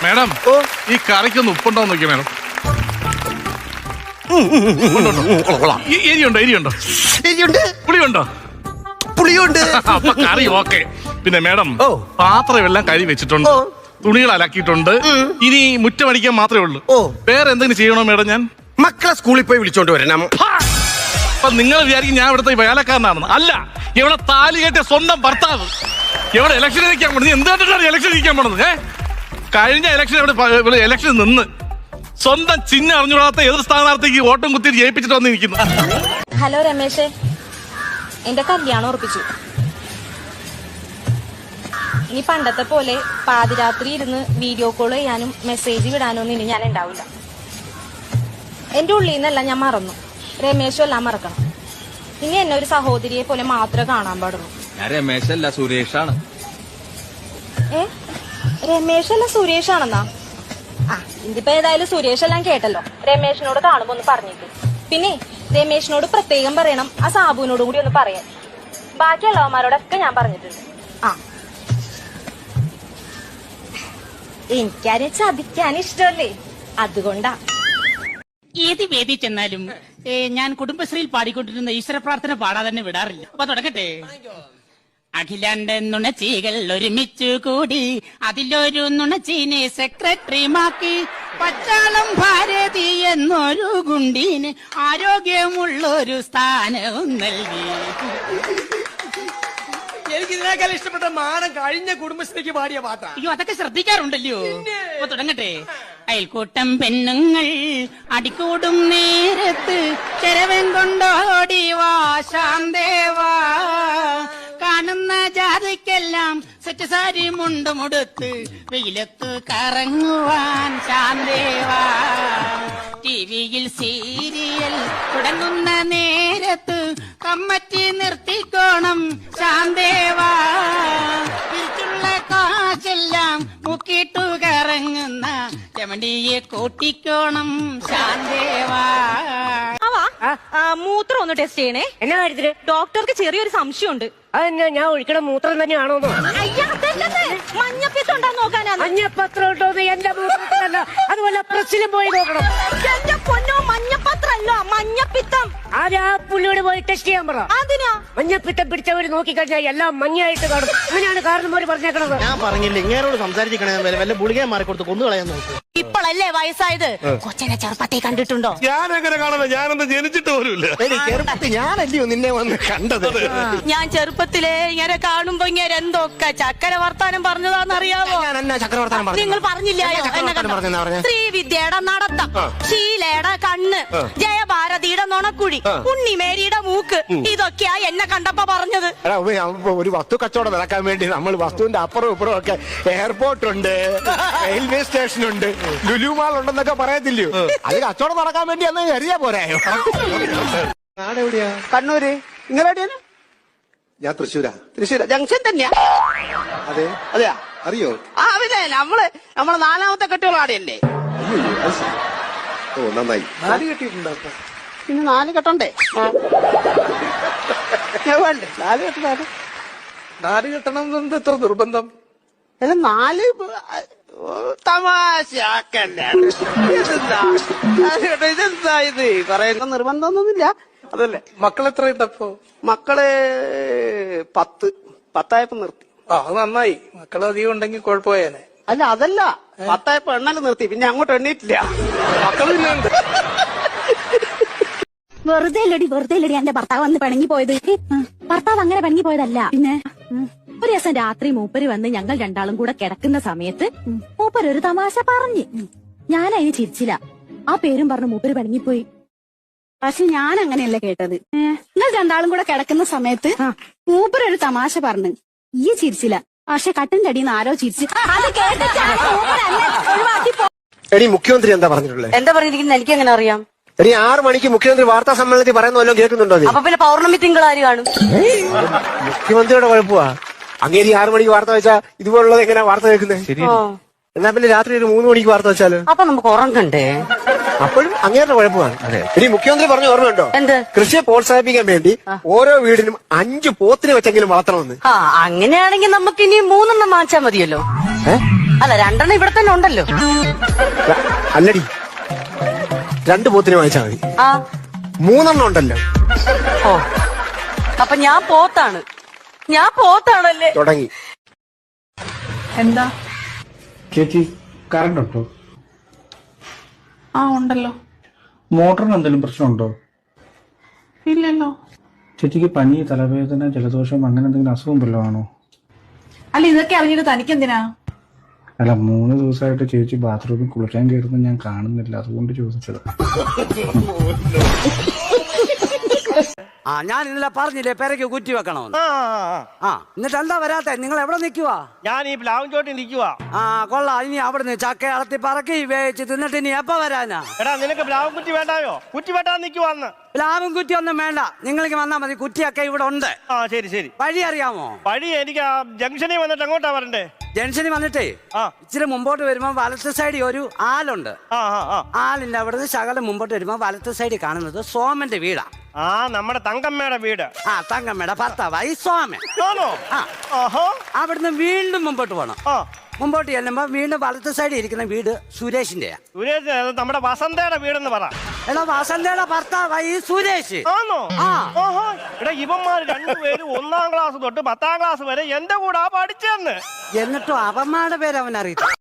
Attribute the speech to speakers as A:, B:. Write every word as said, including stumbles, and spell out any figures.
A: Madam ഈ കറിക്കൊന്ന് ഉപ്പുണ്ടോ നോക്കിയ madam. എരിയുണ്ടോ എരിയുണ്ടോ
B: എരിയുണ്ട്
A: പുളിയുണ്ടോ
B: പുളിയുണ്ട്.
A: അപ്പൊ കറി okay. പിന്നെ മേഡം പാത്രം എല്ലാം കഴുകി വെച്ചിട്ടുണ്ട്, തുണികൾ അലക്കിയിട്ടുണ്ട്. ഇനി മുറ്റമടിക്കാൻ മാത്രമേ ഉള്ളൂ. വേറെ എന്തെങ്കിലും ചെയ്യണോ മേഡം? ഞാൻ
B: മക്കളെ സ്കൂളിൽ പോയി വിളിച്ചോണ്ട് വരണം.
A: അപ്പൊ നിങ്ങൾ വിചാരിക്കും ഞാൻ ഇവിടുത്തെ വേലക്കാരനാണെന്ന്. അല്ല, ഇവിടെ താലി കെട്ടിയ സ്വന്തം ഭർത്താവ് ഇവിടെ ഇലക്ഷൻ ഇരിക്കാൻ പോണത്. എന്ത് കണ്ടിട്ടാണ് ഇലക്ഷൻ ഇരിക്കാൻ പോണത്? ഏഹ് കഴിഞ്ഞ ഇലക്ഷൻ ഇവിടെ ഇലക്ഷൻ നിന്ന് സ്വന്തം ചിഹ്നം അറിഞ്ഞുകൂടാത്ത എതിർ സ്ഥാനാർത്ഥിക്ക് വോട്ടും കുത്തി ജയിപ്പിച്ചിട്ട് വന്നിരിക്കുന്നു.
C: ഹലോ രമേശേ, എന്റെ കല്യാണം ഉറപ്പിച്ചു. ഇനി പണ്ടത്തെ പോലെ പാതിരാത്രി ഇരുന്ന് വീഡിയോ കോൾ ചെയ്യാനും മെസ്സേജ് വിടാനും ഒന്നും ഇനി ഞാൻ ഉണ്ടാവില്ല. എന്റെ ഉള്ളിൽ നിന്നല്ല ഞാൻ മറന്നു, രമേശും എല്ലാം മറക്കണം. ഇനി എന്നെ ഒരു സഹോദരിയെ പോലെ മാത്രമേ കാണാൻ പാടുള്ളൂ.
D: ഞാൻ രമേശല്ല സുരേഷാണ്.
C: ഏ രമേശല്ല സുരേഷാണെന്നാ? ആ ഇതിപ്പോ ഏതായാലും സുരേഷ് എല്ലാം കേട്ടല്ലോ. രമേശിനോട് കാണുമ്പോ ഒന്ന് പറഞ്ഞിട്ട്. പിന്നെ രമേശിനോട് പ്രത്യേകം പറയണം, ആ സാബുവിനോടും കൂടി ഒന്ന് പറയാൻ. ബാക്കിയുള്ളവന്മാരോടൊക്കെ ഞാൻ പറഞ്ഞിട്ടുണ്ട്. ആ എനിക്കാരെ ചതിക്കാൻ ഇഷ്ടമല്ലേ, അതുകൊണ്ടാ.
E: ഏത് വേദി ചെന്നാലും ഞാൻ കുടുംബശ്രീയിൽ പാടിക്കൊണ്ടിരുന്ന ഈശ്വര പ്രാർത്ഥന പാടാതെ തന്നെ വിടാറില്ല. അപ്പൊ തുടങ്ങട്ടെ. അഖിലാണ്ട നുണച്ചികൾ ഒരുമിച്ചു കൂടി അതിലൊരു നുണച്ചീനെ സെക്രട്ടറിമാക്കി പച്ചാളം ഭാരതി എന്നൊരു ഗുണ്ടീന് ആരോഗ്യമുള്ളൊരു സ്ഥാനവും നൽകി.
F: എനിക്ക് ഇതിനേക്കാൾ ഇഷ്ടപ്പെട്ട മാനം കഴിഞ്ഞ കുടുംബശ്രീക്ക് പാടിയ പാട്ടാ.
E: അയ്യോ, അതൊക്കെ ശ്രദ്ധിക്കാറുണ്ടല്ലോ. അപ്പൊ തുടങ്ങട്ടെ. അയൽക്കൂട്ടം പെണ്ണുങ്ങൾ അടിക്കൂടും നേരത്ത് ചെരവൻ കൊണ്ടോടി വാ ശാന്തേവാ, കാണുന്ന ജാതിക്കെല്ലാം സെറ്റ് സാരി മുണ്ടുമുടുത്ത് വെയിലത്ത് കറങ്ങുവാൻ ശാന്തേവാ, ടിവിയിൽ സീരിയൽ തുടങ്ങുന്ന നേരത്ത് കമ്മറ്റി നിർത്തിക്കോണം ശാന്തേവാ, തിരിച്ചുള്ള കാശെല്ലാം മുക്കിട്ടു കറങ്ങുന്ന ചെമണ്ടിയെ കൂട്ടിക്കോണം ശാന്തേവാ.
C: മൂത്രം ഒന്ന് ടെസ്റ്റ് ചെയ്യണേ.
G: എന്നാ കാര്യത്തില്?
C: ഡോക്ടർക്ക് ചെറിയൊരു സംശയമുണ്ട്.
G: അതെന്നാ, ഞാൻ ഒഴിക്കണ മൂത്രം തന്നെയാണോ?
C: മഞ്ഞപ്പിത്തം ഉണ്ടോ നോക്കാനാ.
G: മഞ്ഞപ്പത്രം ഉണ്ടോന്ന് എന്റെ മൂത്രത്തിലല്ല, അതുപോലെ പ്രസ്സിലും പോയി നോക്കണം.
C: എന്റെ പൊന്നോ, മഞ്ഞപ്പത്രല്ലോ മഞ്ഞപ്പിത്തം.
G: ആദ്യം ആ പുള്ളിയോട് പോയി ടെസ്റ്റ് ചെയ്യാൻ പറ.
C: അതിനാ
G: മഞ്ഞപ്പിത്തം പിടിച്ചവര് നോക്കിക്കഴിഞ്ഞാൽ എല്ലാം മഞ്ഞായിട്ട് കാണും. അങ്ങനെയാണ് കാരണന്മാര് പറഞ്ഞേക്കണത്.
F: ഞാൻ പറഞ്ഞില്ല ഇങ്ങനോട് സംസാരിച്ചിരിക്കണേ, വല്ല ഗുളികയെ മാറിക്കൊടുത്ത് കൊന്നു കളയാൻ നോക്കും.
C: ഇപ്പോഴല്ലേ വയസ്സായത്, കൊച്ചനെ ചെറുപ്പത്തെ കണ്ടിട്ടുണ്ടോ?
A: ഞാൻ എങ്ങനെ കാണുന്നത്? ഞാനൊന്ന് ജനിച്ചിട്ട് പോലുമില്ല.
F: ഞാനല്ലയോ നിന്നെ വന്ന് കണ്ടത്.
C: ഞാൻ ചെറുപ്പത്തിലേ ഇങ്ങനെ കാണുമ്പോ ഇങ്ങനെ എന്തൊക്കെ ചക്കര വർത്താനം പറഞ്ഞതാന്നറിയാമോ?
F: ഞാൻ എന്നാ ചക്രവർത്താനം പറഞ്ഞു?
C: നിങ്ങൾ പറഞ്ഞില്ലായോ? ശ്രീവിദ്യയുടെ നടത്തം, ശീലയുടെ കണ്ണ്, ജയഭാരതിയുടെ നുണക്കുഴി, ഉണ്ണിമേരിയുടെ മൂക്ക്, ഇതൊക്കെയാ എന്നെ കണ്ടപ്പോ പറഞ്ഞത്.
F: ഒരു വസ്തു കച്ചവടം നടക്കാൻ വേണ്ടി നമ്മൾ വസ്തുവിന്റെ അപ്പുറം ഇപ്പുറം ഒക്കെ എയർപോർട്ട് ഉണ്ട്, റെയിൽവേ സ്റ്റേഷൻ ഉണ്ട്, ലുലുമാൾ ഉണ്ടെന്നൊക്കെ പറയത്തില്ലയോ? അത് കച്ചവടം നടക്കാൻ വേണ്ടി അന്ന് കരുതിയാ പോരായോ? നാടെവിടെയാ? കണ്ണൂര്. നിങ്ങളെവിടെയാണ്?
B: ഞാൻ തൃശ്ശൂരാ.
F: തൃശ്ശൂർ ജംഗ്ഷൻ തന്നെയാ.
B: അതെ
F: അതെയാ?
B: അറിയോ?
F: ആ പിന്നെ നമ്മള് നമ്മളെ നാലാമത്തെ കെട്ടുകളാടെയല്ലേ.
B: ഓ നന്നായി.
F: നാല് കെട്ടിയിട്ടുണ്ടോ? പിന്നെ നാല് കെട്ടണ്ടേ? വേണ്ടേ നാല് കെട്ട?
B: നാല് കെട്ടണം എത്ര നിർബന്ധം?
F: അല്ല നാല് തമാശാക്കല്ലേ. ഇതെന്താ ഇതെന്താ ഇത് പറയുന്ന നിർബന്ധമൊന്നുമില്ല. അതല്ലേ.
B: മക്കൾ എത്ര ഉണ്ടപ്പോ?
F: മക്കള് പത്ത് പത്തായപ്പോ നിർത്തി.
B: ആ അത് നന്നായി. മക്കൾ അധികം ഉണ്ടെങ്കിൽ കുഴപ്പമായേനെ.
F: അല്ല അതല്ല, പത്തായപ്പോ എണ്ണല് നിർത്തി, പിന്നെ അങ്ങോട്ട് എണ്ണീറ്റില്ല.
B: മക്കൾ പിന്നെ ഉണ്ട്.
H: വെറുതെ അല്ലടി വെറുതെ അല്ലടി എന്റെ ഭർത്താവ് വന്ന് പിണങ്ങി പോയത്. ഭർത്താവ് അങ്ങനെ പിണങ്ങി പോയതല്ല. പിന്നെ ഒരു ദിവസം രാത്രി മൂപ്പര് വന്ന് ഞങ്ങൾ രണ്ടാളും കൂടെ കിടക്കുന്ന സമയത്ത് മൂപ്പര് ഒരു തമാശ പറഞ്ഞ്. ഞാൻ അതിന് ചിരിച്ചില്ല. ആ പേരും പറഞ്ഞ് മൂപ്പര് പിണങ്ങിപ്പോയി. പക്ഷെ ഞാൻ അങ്ങനെയല്ല കേട്ടത്. നിങ്ങൾ രണ്ടാളും കൂടെ കിടക്കുന്ന സമയത്ത് മൂപ്പര് ഒരു തമാശ പറഞ്ഞു. ഈ ചിരിച്ചില്ല, പക്ഷെ കട്ടിന്റെ അടിയിൽ നിന്ന് ആരോ ചിരിച്ചു. അത് കേട്ടിട്ട്
B: എടി മുഖ്യമന്ത്രി എന്താ പറഞ്ഞിട്ടുള്ളത്?
G: എന്താ പറഞ്ഞിരിക്കുന്നത് എനിക്ക് എങ്ങനെ അറിയാം?
B: എടി ആറ് മണിക്ക് മുഖ്യമന്ത്രി വാർത്താ സമ്മേളനത്തിൽ പറയുന്ന വല്ലതും കേൾക്കുന്നുണ്ടോ?
G: അപ്പൊ പിന്നെ പൗർണമി തിങ്കളാര് കാണും?
B: മുഖ്യമന്ത്രിയുടെ കുഴപ്പമാ. അങ്ങേരി ആറ് മണിക്ക് വാർത്ത വെച്ചാ ഇതുപോലുള്ളത് എങ്ങനെയാ വാർത്ത കേൾക്കുന്നത്? എന്നാ പിന്നെ രാത്രി ഒരു മൂന്ന് മണിക്ക് വാർത്ത വെച്ചാല്
G: അപ്പൊ നമുക്ക് ഉറങ്ങണ്ടേ?
B: അപ്പോഴും അങ്ങേരുടെ കുഴപ്പമാണ്. ഇനി മുഖ്യമന്ത്രി പറഞ്ഞ ഓർമ്മയുണ്ടോ?
G: എന്ത്?
B: കൃഷിയെ പ്രോത്സാഹിപ്പിക്കാൻ വേണ്ടി ഓരോ വീടിനും അഞ്ച് പോത്തിനെ വെച്ചെങ്കിലും വളർത്തണമെന്ന്.
G: ആ അങ്ങനെയാണെങ്കിൽ നമുക്ക് ഇനി മൂന്നെണ്ണം വാങ്ങിച്ചാൽ മതിയല്ലോ. അല്ല രണ്ടെണ്ണം ഇവിടെ തന്നെ ഉണ്ടല്ലോ.
B: ര- അല്ലടി, രണ്ട് പോത്തിനെ വാങ്ങിച്ചാൽ മതി.
G: ആ
B: മൂന്നെണ്ണം ഉണ്ടല്ലോ.
G: ഓ അപ്പൊ ഞാൻ പോത്താണ്, ഞാൻ പോത്താണല്ലേ.
B: തുടങ്ങി.
I: എന്താ
J: ചേച്ചി കറണ്ട് ഉണ്ടോ?
I: ആ ഉണ്ടല്ലോ.
J: മോട്ടറിന് എന്തെങ്കിലും പ്രശ്നമുണ്ടോ?
I: ഇല്ലല്ലോ.
J: ചേച്ചിക്ക് പനി, തലവേദന, ജലദോഷം അങ്ങനെ എന്തെങ്കിലും അസുഖം വല്ലതും ആണോ?
I: അല്ല ഇതൊക്കെ അറിഞ്ഞിട്ട് തനിക്കെന്തിനാ?
J: അല്ല, മൂന്ന് ദിവസമായിട്ട് ചേച്ചി ബാത്റൂമിൽ കുളിക്കാൻ കയറുന്നത് ഞാൻ കാണുന്നില്ല, അതുകൊണ്ട് ചോദിച്ചത്.
K: ആ ഞാൻ ഇന്നലെ പറഞ്ഞില്ലേ പെരക്ക് കുറ്റി വെക്കണമെന്ന്. ആ എന്നിട്ട് എന്താ വരാത്തെ? നിങ്ങൾ എവിടെ നിൽക്കുവാ?
B: ഞാൻ ഈ പ്ലാവും ചോട്ടി നിൽക്കുവാ.
K: ആ കൊള്ളാം. ഇനി അവിടുന്ന് ചക്ക അളത്തി പറക്കി വേവിച്ച് തിന്നിട്ട് ഇനി എപ്പ വരാനാ?
B: എടാ നിനക്ക് പ്ലാവും കുറ്റി വേണ്ടായോ? കുറ്റി വെട്ടാൻ നിൽക്കുവാന്ന്.
K: പ്ലാവും കുറ്റി ഒന്നും വേണ്ട, നിങ്ങൾക്ക് വന്നാ മതി. കുറ്റിയൊക്കെ ഇവിടെ ഉണ്ട്.
B: ആ ശരി ശരി.
K: വഴി അറിയാമോ?
B: വഴി എനിക്ക് ആ ജംഗ്ഷനിൽ വന്നിട്ട് എങ്ങോട്ടാ വരണ്ടേ?
K: ജംഗ്ഷനിൽ വന്നിട്ടേ
B: ആ
K: ഇച്ചിരി മുമ്പോട്ട് വരുമ്പോ വലത്ത് സൈഡിൽ ഒരു ആലുണ്ട്.
B: ആ ആ ആ
K: ആലിന്റെ അവിടുന്ന് ശകലം മുമ്പോട്ട് വരുമ്പോ വലത്ത് സൈഡിൽ കാണുന്നത് സോമന്റെ വീടാ.
B: ആ നമ്മുടെ തങ്കമ്മയുടെ വീട്.
K: ആ തങ്കമ്മയുടെ ഭർത്താവായി സോമൻ.
B: ആണോ?
K: ആ
B: ആഹാ.
K: അവിടുന്ന് വീണ്ടും മുമ്പോട്ട് പോകണം.
B: ആ
K: മുമ്പോട്ട് ചെല്ലുമ്പോ വീണ്ടും വലത്ത് സൈഡിൽ ഇരിക്കുന്ന വീട് സുരേഷിന്റെയാ.
B: സുരേഷ്, അത് നമ്മുടെ വസന്തയുടെ വീടെന്ന് പറ.
K: എടാ വസന്തയുടെ ഭർത്താവായി സുരേഷ്.
B: ആണോ?
K: ആ.
B: ആഹാ. എടാ ഇവന്മാർ രണ്ടുപേരും ഒന്നാം ക്ലാസ് തൊട്ട് പത്താം ക്ലാസ് വരെ എന്റെ കൂടെ പഠിച്ചെന്ന്.
K: എന്നിട്ടും അവന്മാരുടെ പേര് അവൻ അറിയില്ല.